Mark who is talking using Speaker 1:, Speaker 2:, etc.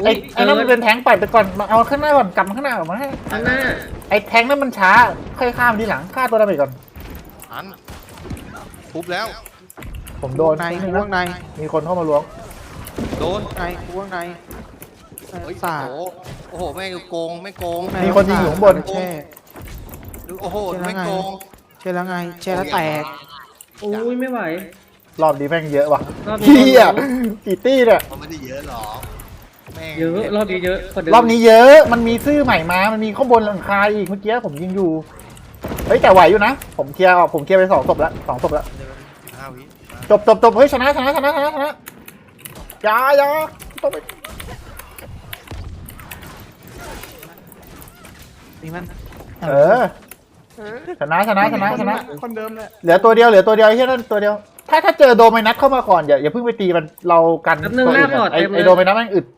Speaker 1: ไอ้นั่นมันเป็นแทงปล่อยไปก่อนเอาข้างหน้าก่อนกลับมาข้างหน้าออกมาให้
Speaker 2: ข้างหน้า
Speaker 1: ไอ้แทงนั่นมันช้าค่อยข้ามทีหลังฆ่าตัวดาเมจก่อน
Speaker 3: อันทุบแล้ว
Speaker 1: ผมโดน
Speaker 4: ใน
Speaker 1: นิดนึง
Speaker 4: กู
Speaker 1: นะ
Speaker 4: ข้างใน
Speaker 1: มีคนเข้ามาล้วง
Speaker 3: โดน
Speaker 4: ในกูข้างใน
Speaker 3: เฮ้ย
Speaker 4: สาด
Speaker 3: โอ้โหไม่โกงไม่โกง
Speaker 1: มีคนยิงอยู่ข้างบน
Speaker 4: แช่
Speaker 3: โอ้โหไม่โกง
Speaker 4: แช่แล้วไงแช่แล้วแตก
Speaker 2: โอ้ยไม่ไหว
Speaker 1: รอบนี้แม่งเยอะว่ะ
Speaker 2: รอบนี้
Speaker 1: เฮียกี่ตี้เนี่ย
Speaker 3: มันไม่ได้เยอะหรอกแม่ง
Speaker 2: เยอะรอบนี้เยอะกว่าเดิม
Speaker 1: รอบนี้เยอะมันมีซื่อใหม่มามันมีข้างบนหลังคาอีกเมื่อกี้ผมยิงอยู่เฮ้ยแต่ไหวอยู่นะผมเคลียร์ไป2 ศพแล้ว2 ศพแล้ว
Speaker 3: 15 วิ
Speaker 1: จบเฮ้ยชนะอย่าต้องไป
Speaker 4: นี่มัน
Speaker 1: เออชนะ
Speaker 4: คนเดิมเลย
Speaker 1: เหลือตัวเดียวไอ้เหี้ยนั่นตัวเดียวถ้าเจอโดมินัสเข้ามาก่อนอย่าเพิ่งไปตีมันเรากัน
Speaker 2: แป๊บนึงหน้าปอด
Speaker 1: ไอ้
Speaker 2: เต็มเลย
Speaker 1: โดมินัสแม่งอึด